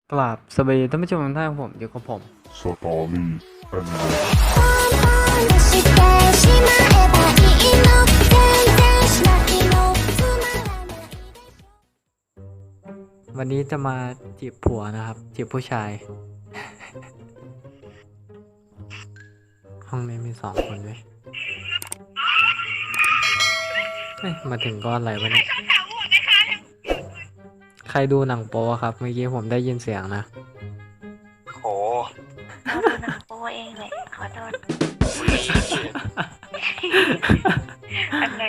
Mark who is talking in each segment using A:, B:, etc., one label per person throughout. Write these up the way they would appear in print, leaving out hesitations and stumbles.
A: กราบสวัสดีท่านผู้ชมทุกท่านผมอยู่กับผม
B: สตอรี่แอนด์
A: วันนี้จะมาจีบผัวนะครับจีบผู้ชาย ห้องนี้มี2 คนเลยเฮ้ยมาถึงก้อนอะไรวะเนี่ยใครดูหนังโป๊ครับเมื่อกี้ผมได้ยินเสียงนะ
C: โห
D: เราดูหนังโป๊เองเลยขอโทษอะไร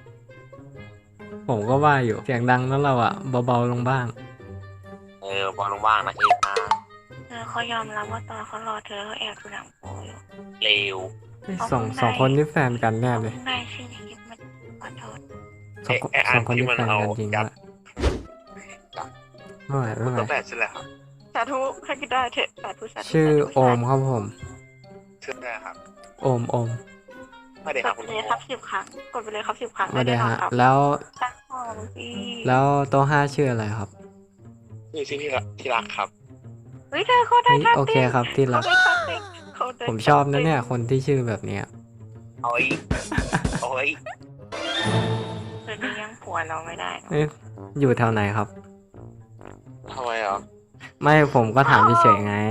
A: ผมก็ว่าอยู่เสียงดังแล้วเราอะเบาๆลงบ้าง
C: บอลว่างๆนะเองนะ
D: เขายอมรับว่าตอนเขารอเธอเขาแอบดูหนังโป๊อยู่
C: เร็ว
A: เฮ้ยสองคนนี่แฟนกันแน่เลย
D: ได้ชื่อในคลิปมันขอโทษ
A: สองคนนี่แฟนกันจริงด้วยไม่ไหวไม่ไหว
C: ตัวแปดใช่ไหมครับ
D: สาธุให้กินได้เถอะสาธุสาธุ
A: ชื่อโอมครับผม
C: ชื่ออะไรครับ
A: โอม
C: ไม่ได้
D: ก
C: ครั
D: ด
C: บ
D: ไป
C: คุณ
D: เลยครับ10 ครั้งกดไปเลยครับ10 ครั้ง
A: ไม่ได้ฮะ
D: ครับ
A: แล้ว
D: ตั้งห้องพี่
A: แล้วโต๊ะ5ชื่ออะไรครับ
C: ชื่อที่รักครับ
D: เฮ้ยเธอเขาได้
A: เฮ้ย
D: ท่า
A: โอเค
D: เต้น
A: ครับที่รัก
D: เขาได้ท่าเต้นเขาได้
A: ผมชอบนะเนี่ยคนที่ชื่อแบบเนี้ย
C: โอ้ยโอ้ย
D: เธอจะยังผัวเราไม่ได้เนอะ
A: เอ๊ะอยู่แถวไหนครับ
C: ทำไมอ่ะ
A: ไม่ผมก็ถามเฉยๆไง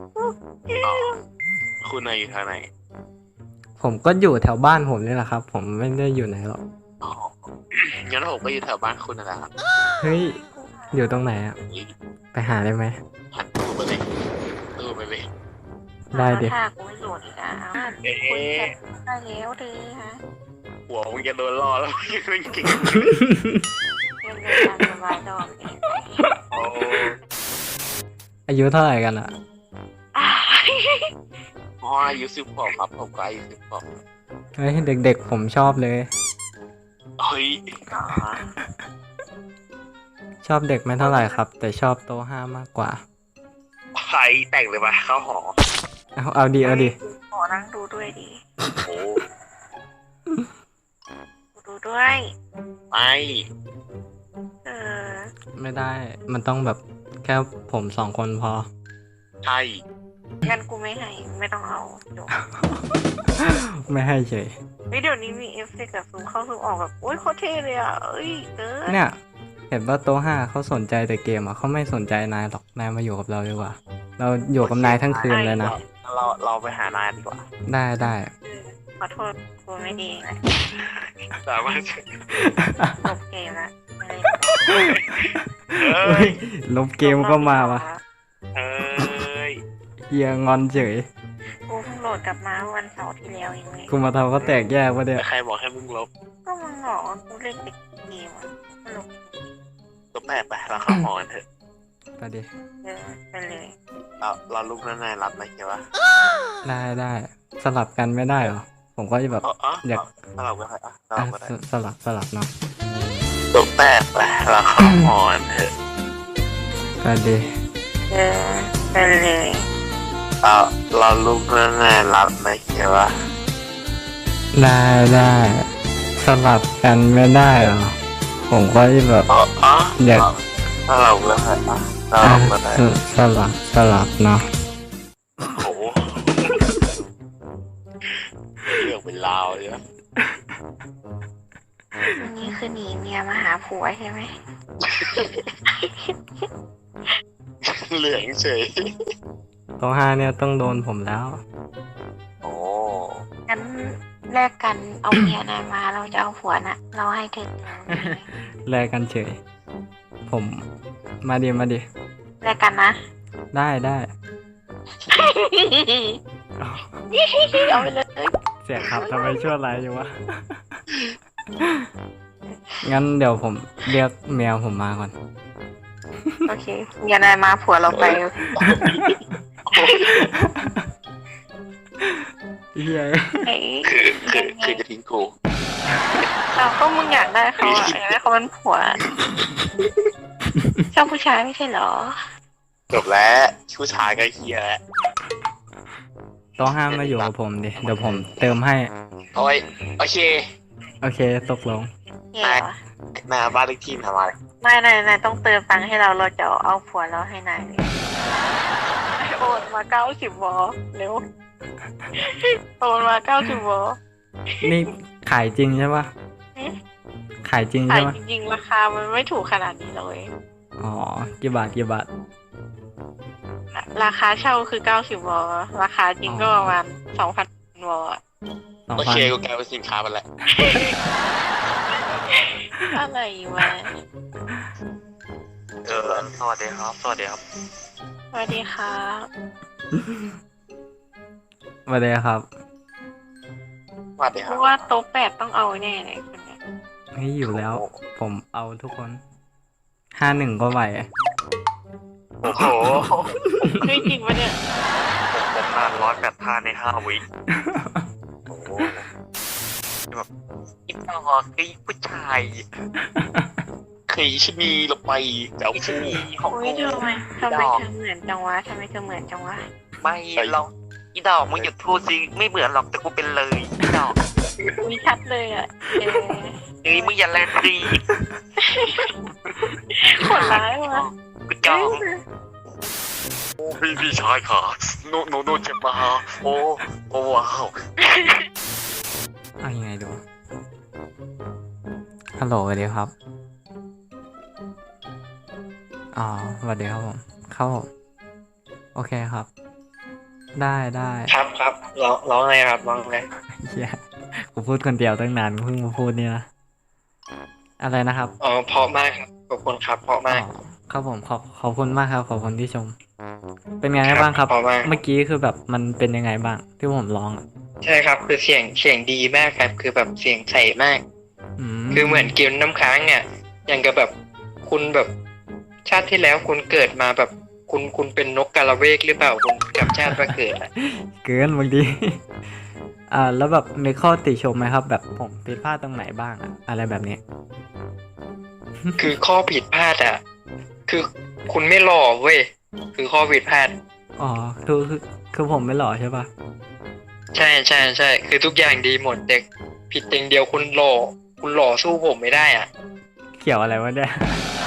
C: คุณนายอยู่ทางไหน
A: ผมก็อยู่แถวบ้านผมนี่แหละครับ ผมไม่ได้อยู่ไหนหรอก
C: อ๋องั้นผมก็อยู่แถวบ้านคุณนั่นแหละครับ
A: เฮ้ยอยู่ตรงไหนอะไปหาได้ไหม
C: หันตู้ไปเลยตู้ไปเลย
A: ได้ดิ
D: ถ้ากูไม่โหลดอีกอ่ะ
C: เอ๊
D: คุยแชทได้แล้วเธอฮะ
C: หัวมึงจะโดนล่อแล้วยังเล่นเก่ง
D: เรื่องเดินตามสบายดอกเอง
C: โอ้
A: อายุเท่าไหร่กันอะ
C: พ่ออายุ10 ขวบครับผมก็อายุ10 ขวบ
A: เฮ้ยเด็กๆผมชอบเลย
C: เฮ้ย
D: อ๋อ
A: ชอบเด็กไม่เท่าไหร่ครับ แต่ชอบโต๊ะ5มากกว่า
C: ใครแต่งเลยปะเข้าหอ
A: เอาดี
D: ขอนั่งดูด้วยดี
C: โอ้
D: ดูด้วย
C: ไม่
D: เออ
A: ไม่ได้มันต้องแบบแค่ผม2 คนพอ
C: ใช่
D: งั้นกูไม่ให้ไม่ต้องเอาจบ
A: ไม่ให้เฉย
D: เฮ้ยเดี๋ยวนี้มีเอฟเฟกต์แบบซูมเข้าซูมออกแบบโอ๊ยโคตรเท่เลยอ่ะเอ้ยเกิน
A: เนี่ยเห็นว่าโต๊ะ5เขาสนใจแต่เกมอะเขาไม่สนใจนายหรอกนายมาอยู่กับเราดีกว่า เราอยู่กับนายทั้งคืนเลยนะ
C: เราไปหานายดีกว่า
A: ได้
D: ขอโทษกูไม่ดีนะ
C: สามารถ
D: จบเกมละไม่
C: เอ้
A: เฮ้
C: ย
A: ยลบเกมก็มาวะ
C: เอ้ย
A: เฮียงอนเฉย
D: กูเพิ่งโหลดกลับมาวันเสาร์ที่แล้วเองเลย
A: กูมาทำก็แตกแยกวะเนี่ย
C: ใครบอกให้มึงลบ
D: ก็มึงบอกว่ากูเล่นแต่เกมอ่ะสนุก
C: ลบแปดไปเราเข้าหอกันเถอะ
A: ไปดิ
D: เออไปเลย
C: เราลุกนั่นนายรับไหมใช่ปะ
A: ได้สลับกันไม่ได้เหรอผมก็จะแบบ อยาก
C: เราก็ได้เรา
A: อ่ะ
C: ก็ได้
A: สลับเนาะ
C: ลบแปดไปเราเข้าหอกันเถอะ
A: ไปดิ
D: เออไปเลย
C: เราลุกนั่นนายรับไหมใช่ปะ
A: ได้สลับกันไม่ได้เหรอผมก็จะแบบ อยาก
C: เราก็ได้เรา
A: อ่ะ
C: ก็ได้
A: สลับเนาะ
C: โอ้โหเรื่องเป็นราวเลยนะ
D: วันนี้คือหนีเมียมาหาผัวใช่ไหม
C: เหลืองเฉย
A: โต๊ะ5เนี่ยต้องโดนผมแล้ว
C: โอ้
D: งั้นแลกกันเอาเมียนายมาเราจะเอาผัวน่ะ เราให้เธอ
A: แลกกันเฉย ผมมาดิ
D: แลกกันนะ
A: ได้
D: เอาไปเลย
A: เสียครับทำไมชั่วร้ายอยู่วะ งั้นเดี๋ยวผมเรียกเมียผมมาก่อน
D: โอเคเมียนายมาผัวเราไป
A: เฮีย
D: ไอ้
C: คือจะทิ้งกู
D: เราก็มึงอยากได้เขาอ่ะอยากได้เขาเป็นผัวชอบผู้ชายไม่ใช่เหรอ
C: จบแล้วผู้ชายก็เฮียแล้ว
A: โต๊ะ5มาอยู่กับผมดิ เดี๋ยวผมเติมให้
C: โอ้ยโอเค
A: โอเคตกลง
D: เหี้ยวะ
C: หน้าบ้านเลขที่ทำอะไร
D: ไม่นายต้องเติมตังค์ให้เราจะเอาผัวเราให้นายเลยโอนมา90 วอเร็วโอนมา90 วอ
A: นี่ขายจริงใช่ปะขายจริง
D: ขาย
A: ใช่ปะ
D: จริงๆราคามันไม่ถูกขนาดนี้เลย
A: อ๋อกี่บาทกี่บาท
D: ราคาเช่าคือ90 วอราคาจริงก็ประมาณ 2,000 วอ
A: สอง
C: โอ
A: พั
C: เคน กูกลายเป็นสินค้าไปแล้ว
D: อะไรวะ
C: สวัสดีครับ สวัสดีครับ
D: สวัสดีค่ะ
A: สวัสดีครับ
C: สวัสดี
D: เพ
C: ครับ
D: ราะว่าโต๊ะ8ต้องเอาแน่เลยคนเนี้ย
A: นี่อยู่แล้ว ผมเอาทุกคน51ก็ไหว
C: โอ้โห
D: เฮ้ยจริงปะเนี่ย
C: ผมนาน108 ท่าใน5 วิโอ้โหแบบอีกต่อคือผู้ชายคือชนีเราไปเจ้าชนีของ
D: โอ้ยทำไมเธอเหมือนจังวะทำไมเธอเหมือนจังวะ
C: ไม่เราอีดอกมึงหยุดพูดสิไม่เหมือนหรอกแต่กูเป็นเลยอีดอก
D: มีชัดเลยอ่ะ
C: เอ้ยมึงอย่าแรงดี
D: ขนร้ายวะ
C: กูจองโอ้พี่ชายค่ะโนเจ็บมาโอ้ว้าว
A: เอายังไงดูฮัลโหลสวัสดีครับอ๋อสวัสดีครับผมเข้าผมโอเคครับ ได้ได้
C: ครับร้องไงครับร้องไง
A: เฮียกูพูดคนเดียวตั้งนานกูเพิ่งมาพูดเนี่ยนะอะไรนะครับ
C: อ๋อเพราะมากครับขอบคุณครับเพราะมาก
A: อ๋อครับผมขอบคุณมากครับขอบคุณที่ชม เป็นไงบ้างครับ
C: เพราะมาก
A: เมื่อกี้คือแบบมันเป็นยังไงบ้างที่ผมร้องอะ
C: ใช่ครับคือเสียงดีมากครับคือแบบเสียงใสมาก คือเหมือนเกมน้ำค้างเนี่ยอย่างกับแบบคุณแบบชาติที่แล้วคุณเกิดมาแบบคุณเป็นนกกาละเวกหรือเปล่าคุณกลับชาติมาเกิดอะ
A: เกินบางที แล้วแบบมีข้อติชมไหมครับ แบบผมผิดพลาดตรงไหนบ้างอะอะไรแบบนี้
C: คือข้อผิดพลาดอะคือคุณไม่หล่อเว้ยคือข้อผิดพลาด
A: อ๋อคือผมไม่หล่อใช่ปะ
C: ใช่คือทุกอย่างดีหมดแต่ผิดอย่างเดียวคุณหล่อสู้ผมไม่ได้อ่ะ
A: เกี่ยวอะไรวะเนี่ย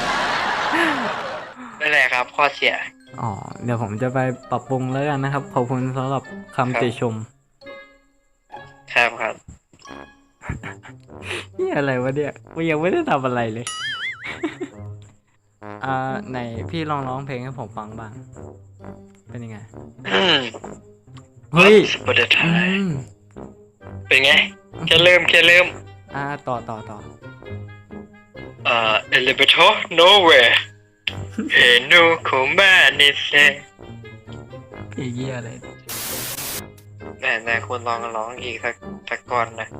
C: นั่นแหละครับ ข้อเสีย
A: อ๋อเดี๋ยวผมจะไปปรับปรุงแล้วกันนะครับ ขอบคุณสำหรับคำติชม
C: ครับ
A: นี่อะไรวะเนี่ยกูยังไม่ได้ทำอะไรเลย ไหนพี่ลองร้องเพลงให้ผมฟังบ้าง เป็นยังไง เฮ้ย
C: ประเด็น
A: อืม
C: เป็นไงแค่เริ่ม
A: ต่อ
C: elevator nowhere เฮนูโคมานิเซ
A: เพลงเยี่ยอะไร
C: แต่คุณลองร้องอีกสักก่อนนะ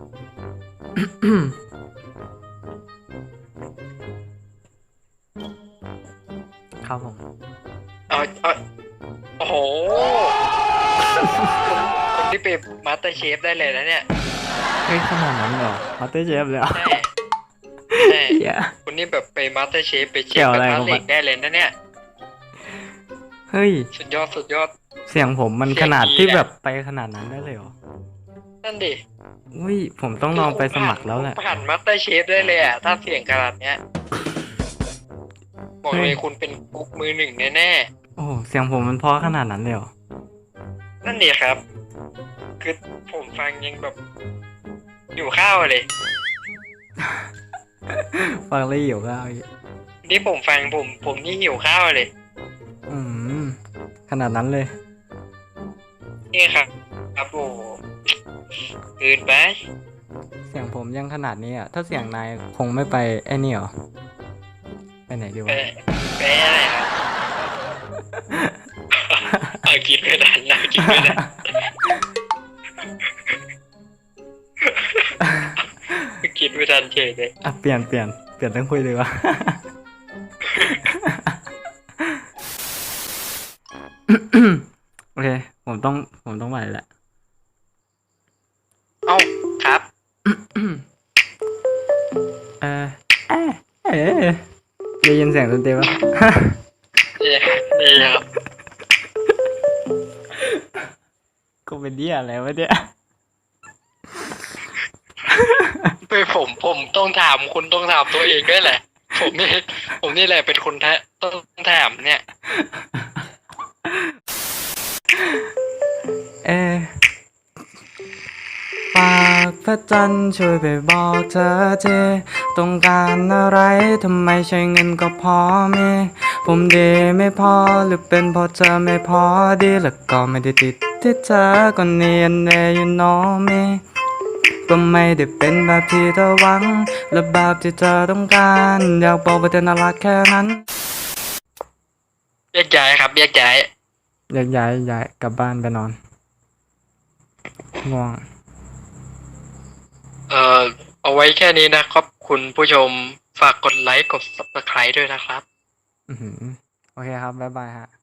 A: ครับผม
C: เอาโอ้โหคนที่เป็นมาสเตอร์เชฟได้เลยนะเนี่ย
A: เฮ้ยขนาดนั้นเหรอมาสเตอร์เชฟเลยเหรอ
C: ใช่
A: เหี้ย
C: คนนี้แบบไปมาสเตอร์เชฟไปเช
A: เกี่
C: ฟ
A: ยว
C: ก
A: อะไร
C: ระทะ
A: ของ
C: เห
A: มั
C: ล็
A: น
C: กได้เลยนะเนี่ย
A: เฮ้ย
C: สุดยอด
A: เสียงผมมันขนาดที่แบบไปขนาดนั้นได้เลยเหรอ
C: นั่นดิ
A: อุ้ยผมต้องลองไปสมัครแล้วแหละ
C: ผ่านมาสเตอร์เชฟได้เลยอ่ะ ถ้าเสียงขนาดเนี้ย บอกเลยคุณเป็นกุ๊กมือหนึ่งแน่
A: โอ้โหเสียงผมมันเพราะขนาดนั้นเลยเหรอ
C: ๆนั่นดิครับ คือผมฟังยังแบบอยู่ข้าวเลย
A: ฟังแล้วหิวข้าวอีก
C: นี่ผมฟังผมนี่หิวข้าวเลย
A: อืมขนาดนั้นเลย
C: นี่ครับโอ้โหเกินไป
A: เสียงผมยังขนาดนี้อ่ะ ถ้าเสียงนายคงไม่ไปไอ้นี่หรอ ไปไหนดี
C: ไป
A: วะ
C: ไปอะไรครับ เอาคิดไม่ทันนะคิดไม่ทันคิดไม่ทันเฉยเลย
A: อ่ะเปลี่ยนต้องคุยดีกว่า โอเค ผมต้องไปแหละ
C: เอ้าครับ
A: เออได้ยินเสียงดนตรีปะ
C: นี่ครับ
A: กูเป็นเดี่ยอะไรวะเนี่ย
C: ไปผมต้องถามคุณต้องถามตัวเองด้วยแหละ ผมนี่แหละเป็นคนต้องถามเนี่ย
A: ฝากพระจันทร์ช่วยไปบอกเธอทีต้องการอะไรทำไมใช้เงินก็พอมีผมดีไม่พอหรือเป็นเพราะเธอไม่พอดีแล้วก็ไม่ได้ติดที่เธอก็เนียนแน่อยู่น้องมีก็ไม่ได้เป็นแบบที่เธอหวังและแบบที่เธอต้องการอยากบอกว่าเธอน่ารักแค่นั้น
C: แยกย้ายครับแยกย้าย
A: ย้ายกลับบ้านไปนอนง่วง
C: เอาไว้แค่นี้นะครับคุณผู้ชมฝากกดไลค์กด subscribe ด้วยนะครับ
A: โอเคครับ บ๊ายบายฮะ